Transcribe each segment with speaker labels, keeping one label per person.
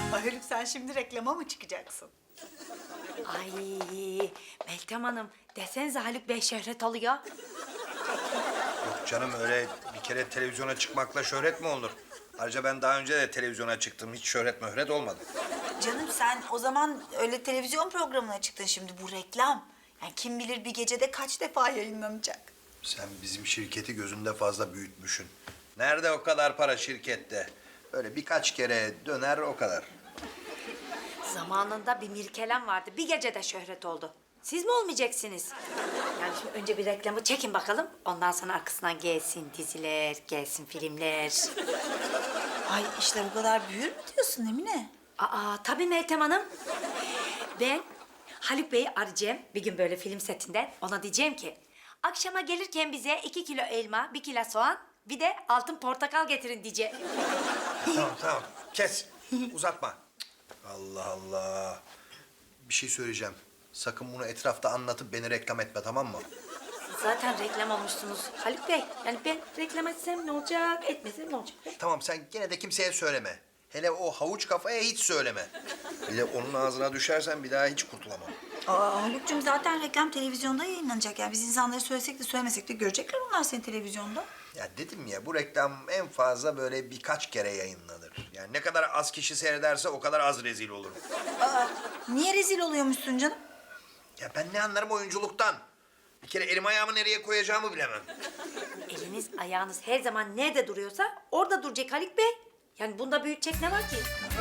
Speaker 1: Haluk sen şimdi reklama mı çıkacaksın?
Speaker 2: Ay Meltem Hanım desenize Haluk Bey şöhret oluyor.
Speaker 3: Yok canım, öyle bir kere televizyona çıkmakla şöhret mi olur? Ayrıca ben daha önce de televizyona çıktım. Hiç şöhret möhret olmadı.
Speaker 1: Canım sen o zaman öyle televizyon programına çıktın, şimdi bu reklam. Yani kim bilir bir gecede kaç defa yayınlanacak.
Speaker 3: Sen bizim şirketi gözünde fazla büyütmüşsün. Nerede o kadar para şirkette? Böyle birkaç kere döner, o kadar.
Speaker 2: Zamanında bir Mirkelem vardı. Bir gecede şöhret oldu. Siz mi olmayacaksınız? Yani şimdi önce bir reklamı çekin bakalım. Ondan sonra arkasından gelsin diziler, gelsin filmler.
Speaker 1: Ay işler o kadar büyür mü diyorsun Emine?
Speaker 2: Aa tabii Meltem Hanım. Ben Haluk Bey'i arayacağım bir gün böyle film setinden. Ona diyeceğim ki akşama gelirken bize 2 kilo elma, 1 kilo soğan, bir de altın portakal getirin diyeceğim.
Speaker 3: Tamam tamam, kes. Uzatma. Allah Allah. Bir şey söyleyeceğim. Sakın bunu etrafta anlatıp beni reklam etme, tamam mı?
Speaker 2: Zaten reklam olmuşsunuz Haluk Bey. Yani ben reklam etsem ne olacak, etmesem ne olacak?
Speaker 3: Tamam, sen gene de kimseye söyleme. Hele o havuç kafaya hiç söyleme. Bir de onun ağzına düşersen bir daha hiç kurtulamam.
Speaker 1: Aa Haluk'cum zaten reklam televizyonda yayınlanacak. Yani biz insanlara söylesek de söylemesek de görecekler onlar seni televizyonda.
Speaker 3: Ya dedim ya, bu reklam en fazla böyle birkaç kere yayınlanır. Yani ne kadar az kişi seyrederse o kadar az rezil olurum.
Speaker 1: Aa niye rezil oluyormuşsun canım?
Speaker 3: Ya ben ne anlarım oyunculuktan? Bir kere elim ayağımı nereye koyacağımı bilemem.
Speaker 2: Eliniz, ayağınız her zaman nerede duruyorsa orada duracak Haluk Bey. Yani bunda büyütecek ne var ki?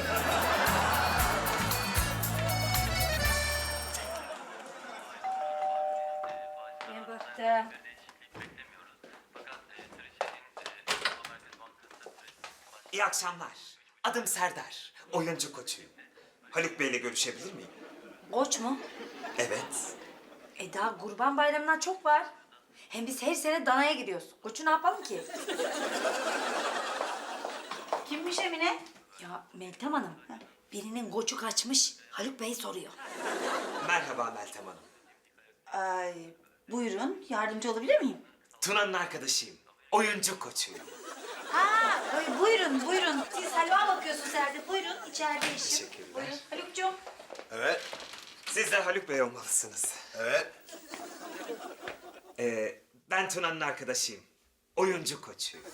Speaker 2: Ben baktım.
Speaker 4: İyi akşamlar. Adım Serdar. Oyuncu koçuyum. Haluk Bey'le görüşebilir miyim?
Speaker 2: Koç mu?
Speaker 4: Evet.
Speaker 2: Daha Kurban Bayramı'ndan çok var. Hem biz her sene danaya gidiyoruz. Koçu ne yapalım ki?
Speaker 1: Kimmiş Emine?
Speaker 2: Ya Meltem Hanım, birinin koçu kaçmış. Haluk Bey soruyor.
Speaker 4: Merhaba Meltem Hanım.
Speaker 1: Ay buyurun yardımcı olabilir miyim?
Speaker 4: Tuna'nın arkadaşıyım. Oyuncu koçuyum.
Speaker 1: Ha buyurun buyurun. Siz halva bakıyorsunuz herhalde. Buyurun içeride işim.
Speaker 4: Teşekkürler.
Speaker 1: Buyurun Haluk'cum.
Speaker 3: Evet,
Speaker 4: Siz de Haluk Bey olmalısınız.
Speaker 3: evet.
Speaker 4: Ben Tuna'nın arkadaşıyım. Oyuncu koçuyum.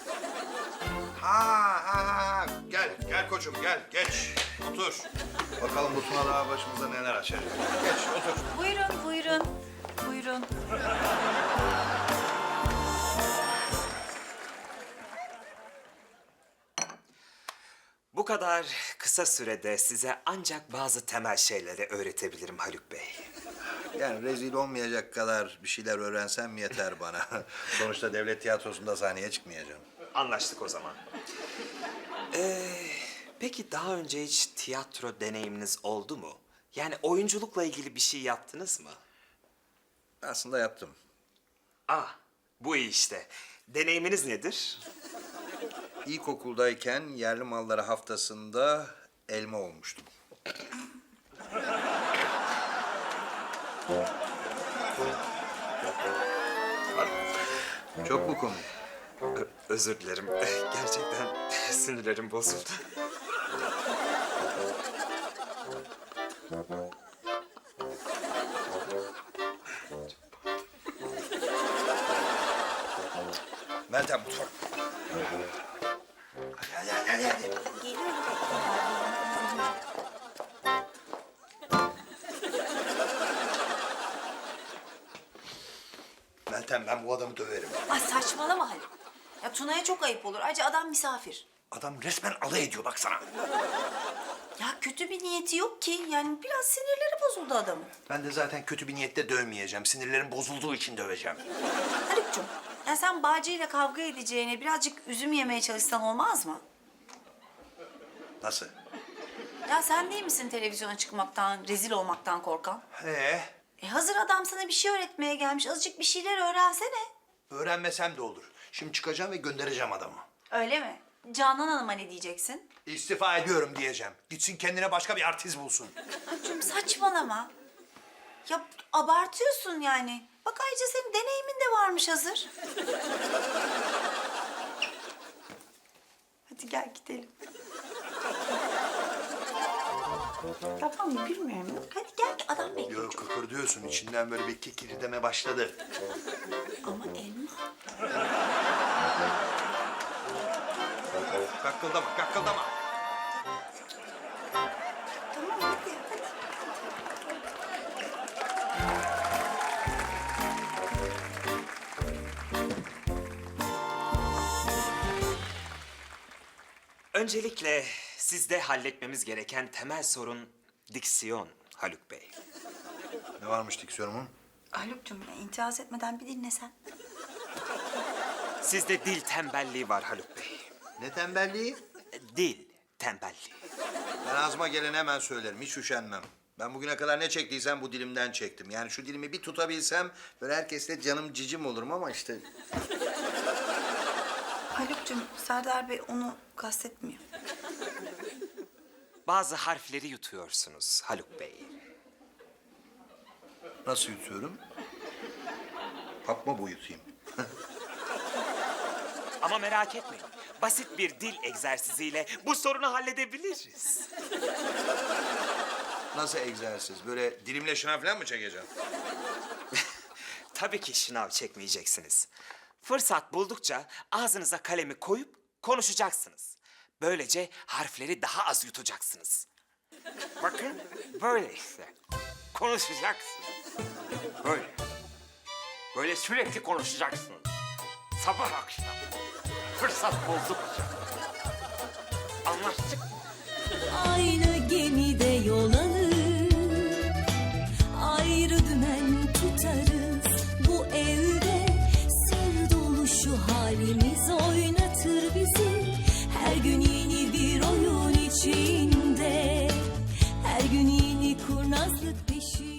Speaker 3: Ha. Gel koçum, gel. Geç, otur. Bakalım bu Tuna daha başımıza neler açar. Geç, otur.
Speaker 1: Buyurun.
Speaker 4: Bu kadar kısa sürede size ancak bazı temel şeyleri öğretebilirim Haluk Bey.
Speaker 3: Yani rezil olmayacak kadar bir şeyler öğrensem yeter bana. Sonuçta devlet tiyatrosunda sahneye çıkmayacağım.
Speaker 4: Anlaştık o zaman. Peki daha önce hiç tiyatro deneyiminiz oldu mu? Yani oyunculukla ilgili bir şey yaptınız mı?
Speaker 3: Aslında yaptım.
Speaker 4: Bu iyi işte. Deneyiminiz nedir?
Speaker 3: İlkokuldayken yerli malları haftasında elma olmuştum. Çok mu komik?
Speaker 4: Özür dilerim. Gerçekten sinirlerim bozuldu.
Speaker 3: Meltem mutfak. Hadi. Meltem, ben bu adamı döverim.
Speaker 1: Ay saçmalama Haluk. Ya Tuna'ya çok ayıp olur. Ayrıca adam misafir.
Speaker 3: Adam resmen alay ediyor baksana.
Speaker 1: Ya kötü bir niyeti yok ki. Yani biraz sinirleri bozuldu adamın.
Speaker 3: Ben de zaten kötü bir niyette dövmeyeceğim. Sinirlerim bozulduğu için döveceğim.
Speaker 1: Haluk'cum ya sen Bağcı'yla kavga edeceğine birazcık üzüm yemeye çalışsan olmaz mı?
Speaker 3: Nasıl?
Speaker 1: Ya sen değil misin televizyona çıkmaktan, rezil olmaktan korkan? Hazır adam sana bir şey öğretmeye gelmiş. Azıcık bir şeyler öğrensene.
Speaker 3: Öğrenmesem de olur. Şimdi çıkacağım ve göndereceğim adamı.
Speaker 1: Öyle mi? Canan Hanım'a ne diyeceksin?
Speaker 3: İstifa ediyorum diyeceğim. Gitsin kendine başka bir artist bulsun.
Speaker 1: Haluk'cum saçmalama. Ya abartıyorsun yani. Bak ayrıca senin deneyimin de varmış hazır. Hadi gel gidelim. Tamam mı bilmiyorum. Hadi gel adam bekliyor.
Speaker 3: Yok kıkır diyorsun. İçinden böyle bir kikirdeme başladı.
Speaker 1: Ama elma.
Speaker 3: Kakkıldama, kakkıldama.
Speaker 1: Tamam hadi.
Speaker 4: Öncelikle sizde halletmemiz gereken temel sorun diksiyon Haluk Bey.
Speaker 3: Ne varmış diksiyonumun?
Speaker 1: Haluk'cum itiraz etmeden bir dinlesen.
Speaker 4: Sizde dil tembelliği var Haluk Bey.
Speaker 3: Ne tembelliği?
Speaker 4: Dil tembelliği.
Speaker 3: Ben ağzıma geleni hemen söylerim. Hiç üşenmem. Ben bugüne kadar ne çektiysem bu dilimden çektim. Yani şu dilimi bir tutabilsem böyle herkesle canım cicim olurum ama işte...
Speaker 1: Haluk'cum Serdar Bey onu kastetmiyor.
Speaker 4: Bazı harfleri yutuyorsunuz Haluk Bey.
Speaker 3: Nasıl yutuyorum? Hap mı bu yutayım?
Speaker 4: Ama merak etmeyin. Basit bir dil egzersiziyle bu sorunu halledebiliriz.
Speaker 3: Nasıl egzersiz? Böyle dilimle şınav falan mı çekeceğim?
Speaker 4: Tabii ki şınav çekmeyeceksiniz. Fırsat buldukça ağzınıza kalemi koyup konuşacaksınız. Böylece harfleri daha az yutacaksınız. Bakın böyle işte. Konuşacaksınız. Böyle. Böyle sürekli konuşacaksınız. Sabah akşam. Fırsat buldukça. Anlaştık mı?
Speaker 5: Aynı gemide yol alır, ayrı dümen tutarız. Bu evde sır dolu şu halimiz oynatır bizi. Her gün yeni bir oyun içinde, her gün yeni kurnazlık peşinde.